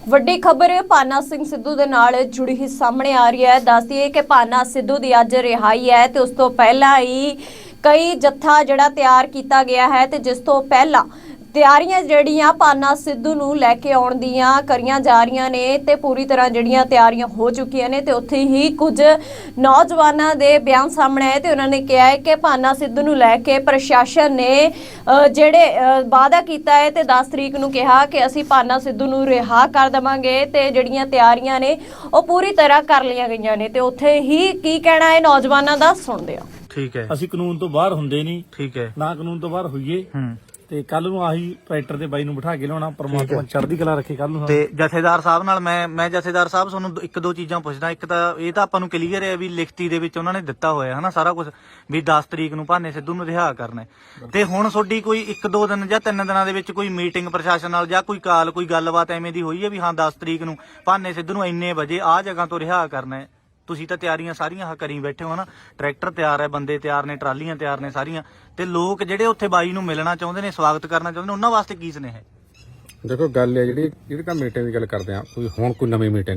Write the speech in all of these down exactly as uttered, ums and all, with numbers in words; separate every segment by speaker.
Speaker 1: ਵੱਡੀ ਖਬਰ ਭਾਨਾ ਸਿੰਘ ਸਿੱਧੂ ਦੇ ਨਾਲ ਜੁੜੀ ਹੀ ਸਾਹਮਣੇ ਆ ਰਹੀ ਹੈ। ਦੱਸ ਦਈਏ ਕਿ ਭਾਨਾ ਸਿੱਧੂ ਦੀ ਅੱਜ ਰਿਹਾਈ ਹੈ ਤੇ ਉਸ ਤੋਂ ਪਹਿਲਾਂ ਹੀ ਕਈ ਜੱਥਾ ਜਿਹੜਾ ਤਿਆਰ ਕੀਤਾ ਗਿਆ ਹੈ ਤੇ ਜਿਸ ਤੋਂ ਪਹਿਲਾਂ ਤਿਆਰੀਆਂ ਜਿਹੜੀਆਂ ਭਾਨਾ ਸਿੱਧੂ ਨੂੰ ਲੈ ਕੇ ਆਉਣ ਦੀਆਂ ਕਰੀਆਂ ਜਾ ਰਹੀਆਂ ਨੇ ਤੇ ਪੂਰੀ ਤਰ੍ਹਾਂ ਜਿਹੜੀਆਂ ਤਿਆਰੀਆਂ ਹੋ ਚੁੱਕੀਆਂ ਨੇ ਤੇ ਉੱਥੇ ਹੀ ਕੁਝ ਨੌਜਵਾਨਾਂ ਦੇ ਬਿਆਨ ਸਾਹਮਣੇ ਆਏ ਤੇ ਉਹਨਾਂ ਨੇ ਕਿਹਾ ਹੈ ਕਿ ਭਾਨਾ ਸਿੱਧੂ ਨੂੰ ਲੈ ਕੇ ਪ੍ਰਸ਼ਾਸਨ ਨੇ ਜਿਹੜੇ ਵਾਅਦਾ ਕੀਤਾ ਹੈ ਤੇ ਦਸ ਤਰੀਕ ਨੂੰ ਕਿਹਾ ਕਿ ਅਸੀਂ ਭਾਨਾ ਸਿੱਧੂ ਨੂੰ ਰਿਹਾ ਕਰ ਦੇਵਾਂਗੇ ਤੇ ਜਿਹੜੀਆਂ ਤਿਆਰੀਆਂ ਨੇ ਉਹ ਪੂਰੀ ਤਰ੍ਹਾਂ ਕਰ ਲਈਆਂ ਗਈਆਂ ਨੇ ਤੇ ਉੱਥੇ ਹੀ ਕੀ ਕਹਿਣਾ ਹੈ ਨੌਜਵਾਨਾਂ ਦਾ ਸੁਣਦੇ ਆ।
Speaker 2: ਠੀਕ ਹੈ,
Speaker 3: ਅਸੀਂ ਕਾਨੂੰਨ ਤੋਂ ਬਾਹਰ ਹੁੰਦੇ ਨਹੀਂ,
Speaker 2: ਠੀਕ ਹੈ,
Speaker 3: ਨਾ ਕਾਨੂੰਨ ਤੋਂ ਬਾਹਰ ਹੋਈਏ
Speaker 2: ਹੂੰ
Speaker 3: ਤੇ ਕੱਲ ਨੂੰ ਆਹੀ ਟਰੈਕਟਰ ਦੇ ਬਾਈ ਨੂੰ ਬਿਠਾ ਕੇ ਲਿਆਉਣਾ। ਪਰਮਾਤਮਾ ਚੜ੍ਹਦੀ ਕਲਾ ਰੱਖੇ ਕੱਲ ਨੂੰ।
Speaker 2: ਤੇ ਜਥੇਦਾਰ ਸਾਹਿਬ ਨਾਲ ਮੈਂ ਮੈਂ ਜਥੇਦਾਰ ਸਾਹਿਬ ਤੁਹਾਨੂੰ ਇੱਕ ਦੋ ਚੀਜ਼ਾਂ ਪੁੱਛਦਾ। ਇੱਕ ਤਾਂ ਇਹ ਤਾਂ ਆਪਾਂ ਨੂੰ ਕਲੀਅਰ ਹੈ ਵੀ ਲਿਖਤੀ ਦੇ ਵਿੱਚ ਉਹਨਾਂ ਨੇ ਦਿੱਤਾ ਹੋਇਆ ਹਨਾ ਸਾਰਾ ਕੁਝ ਵੀ ਦਸ ਤਰੀਕ ਨੂੰ ਭਾਨੇ ਸਿੱਧੂ ਨੂੰ ਰਿਹਾ ਕਰਨਾ ਤੇ ਹੁਣ ਤੁਹਾਡੀ ਕੋਈ ਇੱਕ ਦੋ ਦਿਨ ਜਾਂ ਤਿੰਨ ਦਿਨਾਂ ਦੇ ਵਿੱਚ ਕੋਈ ਮੀਟਿੰਗ ਪ੍ਰਸ਼ਾਸਨ ਨਾਲ ਜਾਂ ਕੋਈ ਕਾਲ ਕੋਈ ਗੱਲਬਾਤ ਐਵੇਂ ਦੀ ਹੋਈ ਹੈ ਵੀ ਹਾਂ ਦਸ ਤਰੀਕ ਨੂੰ ਭਾਨੇ ਸਿੱਧੂ ਨੂੰ ਇੰਨੇ ਵਜੇ ਆਹ ਜਗ੍ਹਾ ਤੋਂ ਰਿਹਾ ਕਰਨਾ ਹੈ? ਤੁਸੀਂ ਤਾਂ ਤਿਆਰੀਆਂ ਸਾਰੀਆਂ ਕਰੀ ਬੈਠੇ ਹੋ ਨਾ, ਟਰੈਕਟਰ ਤਿਆਰ ਹੈ, ਬੰਦੇ ਤਿਆਰ ਨੇ, ਟਰਾਲੀਆਂ ਤਿਆਰ ਨੇ ਸਾਰੀਆਂ, ਤੇ ਲੋਕ ਜਿਹੜੇ ਉੱਥੇ ਬਾਈ ਨੂੰ ਮਿਲਣਾ ਚਾਹੁੰਦੇ ਨੇ, ਸਵਾਗਤ ਕਰਨਾ ਚਾਹੁੰਦੇ ਨੇ, ਉਹਨਾਂ ਵਾਸਤੇ ਕੀ ਸੁਨੇਹਾ ਹੈ?
Speaker 4: ਦੇਖੋ ਗੱਲ ਹੈ ਜਿਹੜੀ ਜਿਹੜੀ ਤਾਂ ਮੀਟਿੰਗ ਦੀ ਗੱਲ ਕਰਦੇ ਆ, ਕੋਈ ਹੁਣ ਕੋਈ ਨਵੀਂ ਮੀਟਿੰਗ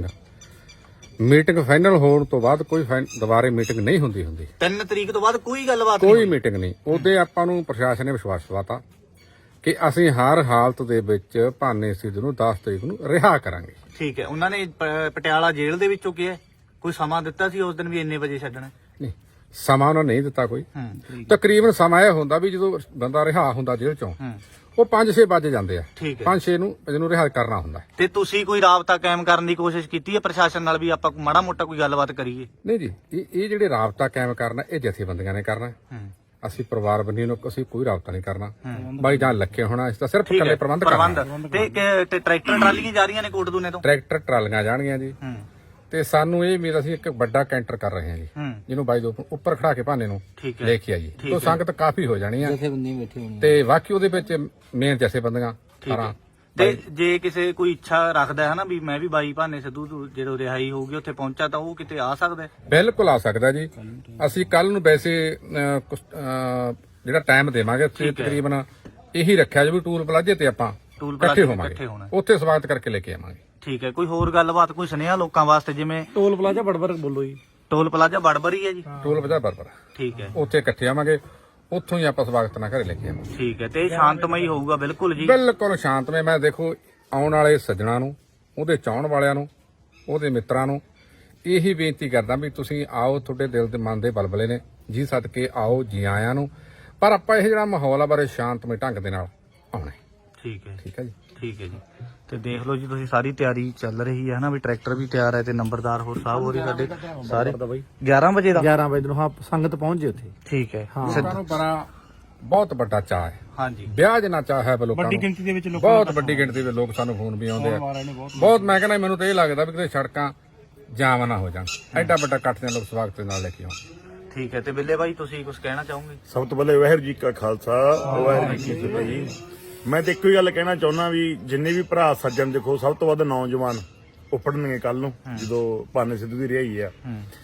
Speaker 4: ਮੀਟਿੰਗ ਫਾਈਨਲ ਹੋਣ ਤੋਂ ਬਾਅਦ ਕੋਈ ਦੁਬਾਰੇ ਮੀਟਿੰਗ ਨਹੀਂ ਹੁੰਦੀ ਹੁੰਦੀ
Speaker 2: ਤਿੰਨ ਤਰੀਕ ਤੋਂ ਬਾਅਦ ਕੋਈ ਗੱਲਬਾਤ
Speaker 4: ਕੋਈ ਮੀਟਿੰਗ ਨਹੀਂ। ਉਹਦੇ ਆਪਾਂ ਨੂੰ ਪ੍ਰਸ਼ਾਸਨ ਨੇ ਵਿਸ਼ਵਾਸ ਦਿਵਾਤਾ ਕਿ ਅਸੀਂ ਹਰ ਹਾਲਤ ਦੇ ਵਿੱਚ ਭਾਨੇ ਸਿੱਧੂ ਨੂੰ ਦਸ ਤਰੀਕ ਨੂੰ ਰਿਹਾ ਕਰਾਂਗੇ।
Speaker 2: ਠੀਕ ਹੈ, ਉਹਨਾਂ ਨੇ ਪ- ਪਟਿਆਲਾ ਜੇਲ੍ਹ ਦੇ ਵਿੱਚੋਂ ਕਿਹਾ ਕੋਈ ਸਮਾਂ ਦਿੱਤਾ ਸੀ ਉਸ ਦਿਨ ਵੀ ਇੰਨੇ ਵਜੇ ਛੱਡਣਾ?
Speaker 4: ਨਹੀਂ, ਸਮਾਂ ਉਹਨਾਂ ਨਹੀਂ ਦਿੱਤਾ ਕੋਈ।
Speaker 2: ਹੂੰ,
Speaker 4: ਤਕਰੀਬਨ ਸਮਾਂ ਇਹ ਹੁੰਦਾ ਵੀ ਜਦੋਂ ਬੰਦਾ ਰਿਹਾ ਹੁੰਦਾ ਜੇਲ੍ਹ ਚੋਂ
Speaker 2: ਹੂੰ,
Speaker 4: ਉਹ ਪੰਜ ਛੇ ਵੱਜ ਜਾਂਦੇ ਆ,
Speaker 2: ਠੀਕ ਹੈ।
Speaker 4: ਪੰਜ ਛੇ ਨੂੰ ਇਹਨੂੰ ਰਿਹਾ ਕਰਨਾ ਹੁੰਦਾ।
Speaker 2: ਤੇ ਤੁਸੀਂ ਕੋਈ ਰਾਬਤਾ ਕਾਇਮ ਕਰਨ ਦੀ ਕੋਸ਼ਿਸ਼ ਕੀਤੀ ਹੈ ਪ੍ਰਸ਼ਾਸਨ ਨਾਲ ਵੀ ਆਪਾਂ ਮਾੜਾ ਮੋਟਾ ਕੋਈ ਗੱਲਬਾਤ ਕਰੀਏ?
Speaker 4: ਨਹੀਂ ਜੀ, ਇਹ ਇਹ ਜਿਹੜੇ ਰਾਬਤਾ ਕਾਇਮ ਕਰਨਾ ਇਹ ਜਥੇਬੰਦੀਆਂ ਨੇ ਕਰਨਾ।
Speaker 2: ਹੂੰ,
Speaker 4: ਅਸੀਂ ਪਰਿਵਾਰ ਬੰਨੀ ਨੂੰ ਅਸੀਂ ਕੋਈ ਰਾਬਤਾ ਨਹੀਂ ਕਰਨਾ। ਬਾਈ ਜਾਨ ਲੱਖੇ ਹੋਣਾ, ਇਸ ਦਾ ਸਿਰਫ
Speaker 2: ਠੀਕ
Speaker 4: ਇਕੱਲੇ
Speaker 2: ਹੈ,
Speaker 4: ਪ੍ਰਬੰਧ ਕਰਨਾ।
Speaker 2: ਪ੍ਰਬੰਧ ਤੇ ਕਿ- ਤੇ ਟਰੈਕਟਰ ਟਰਾਲੀਆਂ ਜਾ ਰਹੀਆਂ ਨੇ ਕੋਟਦੂਨੇ ਤੋਂ?
Speaker 4: ਟਰੈਕਟਰ ਟਰਾਲੀਆਂ ਜਾਣਗੀਆਂ ਜੀ,
Speaker 2: ਹੂੰ,
Speaker 4: ਤੇ ਸਾਨੂੰ ਇਹ ਮੇਰਾ ਅਸੀਂ ਇੱਕ ਵੱਡਾ ਕੈਂਟਰ ਕਰ ਰਹੇ ਹਾਂ ਜੀ,
Speaker 2: ਹੂੰ,
Speaker 4: ਜਿਹਨੂੰ ਬਾਈ ਦੇ ਉੱਪਰ ਖੜਾ ਕੇ ਭਾਨੇ ਨੂੰ
Speaker 2: ਠੀਕ ਹੈ,
Speaker 4: ਲੈ ਕੇ ਆਈਏ।
Speaker 2: ਠੀਕ
Speaker 4: ਤੋਂ
Speaker 2: ਹੈ।
Speaker 4: ਸੰਗਤ ਕਾਫੀ ਹੋ ਜਾਣੀ ਆ ਤੇ ਬਾਕੀ ਉਹਦੇ ਵਿੱਚ ਮੇਨ ਜਥੇਬੰਦੀਆਂ
Speaker 2: ਠੀਕ ਹੈ।
Speaker 4: ਸਾਰਾ।
Speaker 2: ਤੇ ਜੇ ਕਿਸੇ ਕੋਈ ਇੱਛਾ ਰੱਖਦਾ ਹੈ ਨਾ ਵੀ ਮੈਂ ਵੀ ਬਾਈ ਭਾਨੇ ਸਿੱਧੂ ਤੋਂ ਜਦੋਂ ਰਿਹਾਈ ਹੋਊਗੀ ਉੱਥੇ ਪਹੁੰਚਾ ਤਾਂ ਉਹ ਕਿਤੇ ਆ ਸਕਦਾ ਹੈ?
Speaker 4: ਬਿਲਕੁਲ ਆ ਸਕਦਾ ਜੀ। ਅਸੀਂ ਕੱਲ ਨੂੰ ਵੈਸੇ ਅਹ, ਕੁਛ, ਅਹ, ਜਿਹੜਾ ਟਾਈਮ ਦੇਵਾਂਗੇ ਉੱਥੇ ਤਕਰੀਬਨ ਇਹੀ ਰੱਖਿਆ ਜੀ ਵੀ ਟੂਲ ਪਲਾਜ਼ੇ ਤੇ ਆਪਾਂ
Speaker 2: ਟੂਲ
Speaker 4: ਇਕੱਠੇ
Speaker 2: ਪਲਾਜ਼ੇ ਤੇ
Speaker 4: ਹੋਵਾਂਗੇ,
Speaker 2: ਇਕੱਠੇ ਹੋਣਾ।
Speaker 4: ਉੱਥੇ ਸਵਾਗਤ ਕਰਕੇ ਲੈ ਕੇ ਆਵਾਂਗੇ।
Speaker 2: ਠੀਕ ਹੈ, ਕੋਈ ਹੋਰ ਗੱਲਬਾਤ ਕੋਈ ਸੁਨੇਹਾ ਲੋਕਾਂ ਵਾਸਤੇ? ਜਿਵੇਂ
Speaker 3: ਟੋਲ ਪਲਾਜ਼ਾ ਬੜਬੜ ਬੋਲੋ ਜੀ।
Speaker 2: ਟੋਲ ਪਲਾਜ਼ਾ ਬੜਬੜੀ ਹੈ ਜੀ?
Speaker 4: ਟੂਲ ਪਲਾਜ਼ਾ ਬਰਬਰ
Speaker 2: ਠੀਕ ਹੈ,
Speaker 4: ਉੱਥੇ ਇਕੱਠੇ ਆਵਾਂਗੇ, ਉੱਥੋਂ ਹੀ ਆਪਾਂ ਸਵਾਗਤ ਨਾਲ ਘਰੇ ਲੈ ਕੇ ਆਵਾਂਗੇ।
Speaker 2: ਠੀਕ ਹੈ। ਤੇ ਇਹ ਸ਼ਾਂਤਮਈ ਹੋਊਗਾ ਬਿਲਕੁਲ ਜੀ?
Speaker 4: ਬਿਲਕੁਲ ਸ਼ਾਂਤਮਈ। ਮੈਂ ਦੇਖੋ ਆਉਣ ਵਾਲੇ ਸੱਜਣਾ ਨੂੰ, ਉਹਦੇ ਚਾਹਣ ਵਾਲਿਆਂ ਨੂੰ, ਉਹਦੇ ਮਿੱਤਰਾਂ ਨੂੰ ਇਹੀ ਬੇਨਤੀ ਕਰਦਾ ਵੀ ਤੁਸੀਂ ਆਓ, ਤੁਹਾਡੇ ਦਿਲ ਦੇ ਮਨ ਦੇ ਬਲਬਲੇ ਨੇ ਜੀ, ਸਦਕੇ ਆਓ, ਜੀ ਆਇਆਂ ਨੂੰ। ਪਰ ਆਪਾਂ ਇਹ ਜਿਹੜਾ ਮਾਹੌਲ ਆ ਬਾਰੇ ਸ਼ਾਂਤਮਈ ਢੰਗ ਦੇ ਨਾਲ ਆਉਣਾ ਹੈ।
Speaker 2: ਠੀਕ ਹੈ,
Speaker 4: ਠੀਕ ਹੈ ਜੀ।
Speaker 2: ਠੀਕ ਹੈ ਜੀ। ਤੇ ਦੇਖ ਲਓ ਜੀ ਤੁਸੀਂ ਸਾਰੀ ਤਿਆਰੀ ਚੱਲ ਰਹੀ ਹੈ ਨਾ, ਵੀ ਟਰੈਕਟਰ ਵੀ ਤਿਆਰ ਹੈ ਤੇ ਨੰਬਰਦਾਰ ਹੋਰ ਸਾਹਿਬ ਹੋਰੀ ਸਾਡੇ ਸਾਰੇ ਗਿਆਰਾਂ ਵਜੇ ਦਾ
Speaker 3: ਗਿਆਰਾਂ ਵਜੇ ਨੂੰ ਹਾਂ ਸੰਗਤ ਪਹੁੰਚ ਜੇ ਉੱਥੇ।
Speaker 2: ਠੀਕ ਹੈ।
Speaker 4: ਲੋਕਾਂ ਨੂੰ ਬੜਾ ਬਹੁਤ ਵੱਡਾ ਚਾਅ ਹੈ,
Speaker 2: ਹਾਂਜੀ,
Speaker 4: ਵਿਆਹ ਜਿੰਨਾ ਚਾਅ ਹੈ ਲੋਕਾਂ
Speaker 3: ਵੱਡੀ
Speaker 4: ਨੂੰ।
Speaker 3: ਗਿਣਤੀ ਦੇ ਵਿੱਚ ਲੋਕ
Speaker 4: ਬਹੁਤ ਵੱਡੀ ਗਿਣਤੀ ਦੇ ਲੋਕ ਸਾਨੂੰ ਫੋਨ ਵੀ ਆਉਂਦੇ ਆ ਬਹੁਤ। ਮੈਂ ਕਹਿੰਦਾ ਮੈਨੂੰ ਤਾਂ ਇਹ ਲੱਗਦਾ ਵੀ ਕਿਤੇ ਸੜਕਾਂ ਜਾਮ ਨਾ ਹੋ ਜਾਣ, ਐਡਾ ਵੱਡਾ ਇਕੱਠ ਦੇ ਲੋਕ ਸਵਾਗਤ ਦੇ ਨਾਲ ਲੈ ਕੇ ਆਉਣ।
Speaker 2: ਠੀਕ ਹੈ। ਤੇ ਬਿੱਲੇ ਬਾਈ ਤੁਸੀਂ ਕੁਝ ਕਹਿਣਾ ਚਾਹੋਗੇ?
Speaker 5: ਸਭ ਤੋਂ ਪਹਿਲੇ ਵਾਹਿਗੁਰੂ ਜੀ ਕਾ ਖਾਲਸਾ ਵਾਹਿਗੁਰੂ ਜੀ ਕੀ ਫਤਿਹ ਜੀ। ਮੈਂ ਤੇ ਇੱਕੋ ਹੀ ਗੱਲ ਕਹਿਣਾ ਚਾਹੁੰਦਾ ਵੀ ਜਿੰਨੇ ਵੀ ਭਰਾ ਸੱਜਣ, ਦੇਖੋ ਸਭ ਤੋਂ ਵੱਧ ਨੌਜਵਾਨ ਉੱਪੜਨਗੇ ਕੱਲ ਨੂੰ ਜਦੋਂ ਭਾਨੇ ਸਿੱਧੂ ਦੀ ਰਿਹਾਈ ਆ,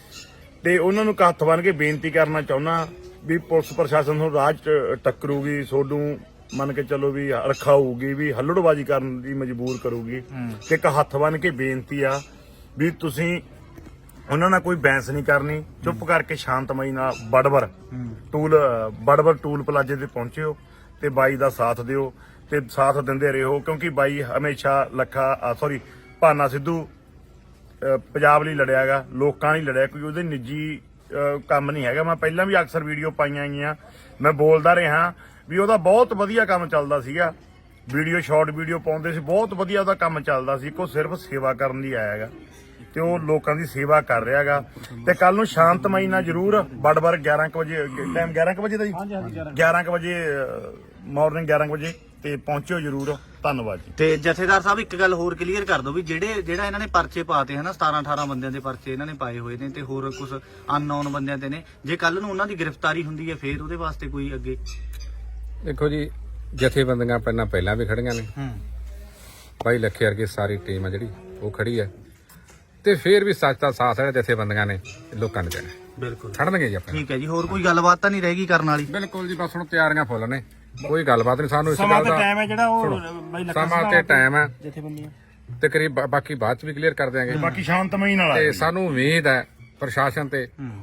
Speaker 5: ਤੇ ਉਹਨਾਂ ਨੂੰ ਹੱਥ ਬੰਨ੍ਹ ਕੇ ਬੇਨਤੀ ਕਰਨਾ ਚਾਹੁੰਦਾ ਵੀ ਪੁਲਿਸ ਪ੍ਰਸ਼ਾਸਨ ਨੂੰ ਰਾਹ 'ਚ ਟੱਕਰੂਗੀ, ਸੋਡੂ ਮੰਨ ਕੇ ਚੱਲੋ ਵੀ ਰਖਾਊਗੀ, ਵੀ ਹੱਲੜਬਾਜ਼ੀ ਕਰਨ ਦੀ ਮਜਬੂਰ ਕਰੂਗੀ। ਤੇ ਇੱਕ ਹੱਥ ਬੰਨ੍ਹ ਕੇ ਬੇਨਤੀ ਆ ਵੀ ਤੁਸੀਂ ਉਹਨਾਂ ਨਾਲ ਕੋਈ ਬੈਂਸ ਨਹੀਂ ਕਰਨੀ, ਚੁੱਪ ਕਰਕੇ ਸ਼ਾਂਤਮਈ ਨਾਲ ਬੜਬੜ ਟੂਲ ਬੜਬੜ ਟੂਲ ਪਲਾਜ਼ੇ ਤੇ ਪਹੁੰਚਿਓ ਤੇ ਬਾਈ ਦਾ ਸਾਥ ਦਿਓ ਤੇ ਸਾਥ ਦਿੰਦੇ ਰਹੋ, ਕਿਉਂਕਿ ਬਾਈ ਹਮੇਸ਼ਾ ਲੱਖਾ ਸੌਰੀ ਭਾਨਾ ਸਿੱਧੂ ਅਹ, ਪੰਜਾਬ ਲਈ ਲੜਿਆਗਾ, ਲੋਕਾਂ ਲਈ ਲੜਿਆ, ਕੋਈ ਉਹਦੇ ਨਿੱਜੀ ਅਹ, ਕੰਮ ਨਹੀਂ ਹੈਗਾ। ਮੈਂ ਪਹਿਲਾਂ ਵੀ ਅਕਸਰ ਵੀਡੀਓ ਪਾਈਆਂ ਗਈਆਂ, ਮੈਂ ਬੋਲਦਾ ਰਿਹਾ ਵੀ ਉਹਦਾ ਬਹੁਤ ਵਧੀਆ ਕੰਮ ਚੱਲਦਾ ਸੀਗਾ, ਵੀਡੀਓ ਸ਼ਾਰਟ ਵੀਡੀਓ ਪਾਉਂਦੇ ਸੀ, ਬਹੁਤ ਵਧੀਆ ਉਹਦਾ ਕੰਮ ਚੱਲਦਾ ਸੀ। ਕੋ ਸਿਰਫ ਸੇਵਾ ਕਰਨ ਲਈ ਆਇਆ ਹੈਗਾ ਤੇ ਉਹ ਲੋਕਾਂ ਦੀ ਸੇਵਾ ਕਰ ਰਿਹਾ ਹੈਗਾ। ਤੇ ਕੱਲ ਨੂੰ ਸ਼ਾਂਤਮਈ ਨਾਲ ਜ਼ਰੂਰ ਬੜਬੜ ਗਿਆਰਾਂ ਕੁ ਵਜੇ ਟਾਈਮ ਗਿਆਰਾਂ ਕੁ ਵਜੇ ਦਾ ਜੀ, ਗਿਆਰਾਂ ਕੁ ਵਜੇ ਮਾਰਨਿੰਗ ਗਿਆਰਾਂ ਕੁ ਵਜੇ ਤੇ ਪਹੁੰਚਿਓ ਜ਼ਰੂਰ। ਧੰਨਵਾਦ ਜੀ।
Speaker 2: ਤੇ ਜਥੇਦਾਰ ਸਾਹਿਬ ਇੱਕ ਗੱਲ ਹੋਰ ਕਲੀਅਰ ਕਰ ਦਿਓ ਵੀ ਜਿਹੜੇ ਜਿਹੜਾ ਇਹਨਾਂ ਨੇ ਪਰਚੇ ਪਾਤੇ ਹਨਾ, ਸਤਾਰਾਂ ਅਠਾਰਾਂ ਬੰਦਿਆਂ ਦੇ ਪਰਚੇ ਇਹਨਾਂ ਨੇ ਪਾਏ ਹੋਏ ਨੇ ਤੇ ਹੋਰ ਕੁਝ ਅਨਨੋਨ ਬੰਦਿਆਂ ਤੇ ਨੇ, ਜੇ ਕੱਲ ਨੂੰ ਉਹਨਾਂ ਦੀ ਗ੍ਰਿਫਤਾਰੀ ਹੁੰਦੀ ਹੈ ਫੇਰ ਉਹਦੇ ਵਾਸਤੇ ਕੋਈ ਅੱਗੇ? ਦੇਖੋ
Speaker 4: ਜੀ ਜਥੇਬੰਦੀਆਂ ਪਹਿਲਾਂ ਪਹਿਲਾਂ ਵੀ ਖੜੀਆਂ ਨੇ,
Speaker 2: ਹੂੰ,
Speaker 4: ਬਾਈ ਲੱਖੇ ਵਰਗੀ ਸਾਰੀ ਟੀਮ ਆ ਜਿਹੜੀ ਉਹ ਖੜੀ ਹੈ, ਤੇ ਫੇਰ ਵੀ ਸੱਚ ਦਾ ਸਾਥ ਹੈ ਜਥੇਬੰਦੀਆਂ ਨੇ ਲੋਕਾਂ ਨੇ ਦੇਣਾ।
Speaker 2: ਬਿਲਕੁਲ
Speaker 4: ਖੜਨਗੇ ਜੀ ਆਪਣੇ।
Speaker 2: ਠੀਕ ਹੈ ਜੀ। ਹੋਰ ਕੋਈ ਗੱਲਬਾਤ ਤਾਂ ਨਹੀਂ ਰਹੇਗੀ ਕਰਨ ਵਾਲੀ?
Speaker 4: ਬਿਲਕੁਲ ਜੀ, ਬਸ ਹੁਣ ਤਿਆਰੀਆਂ ਫੁੱਲ ਨੇ, ਕੋਈ ਗੱਲਬਾਤ ਨਹੀਂ। ਸਾਨੂੰ ਇਸ
Speaker 3: ਸਮਾਂ
Speaker 4: ਗੱਲ
Speaker 3: ਤੇ
Speaker 4: ਦਾ
Speaker 3: ਟਾਈਮ ਹੈ ਜਿਹੜਾ ਉਹ ਬਾਈ ਲੱਖਾ
Speaker 4: ਸਮਾਂ ਤੇ ਟਾਈਮ ਹੈ,
Speaker 3: ਜਥੇਬੰਦੀਆਂ
Speaker 4: ਤੇ ਕਰੀਬ ਬਾਕੀ ਬਾਅਦ ਚ ਵੀ ਕਲੀਅਰ ਕਰ ਦਿਆਂਗੇ
Speaker 5: ਬਾਕੀ ਸ਼ਾਂਤਮਈ ਨਾਲ ਆ
Speaker 4: ਤੇ ਸਾਨੂੰ ਉਮੀਦ ਹੈ ਪ੍ਰਸ਼ਾਸਨ ਤੇ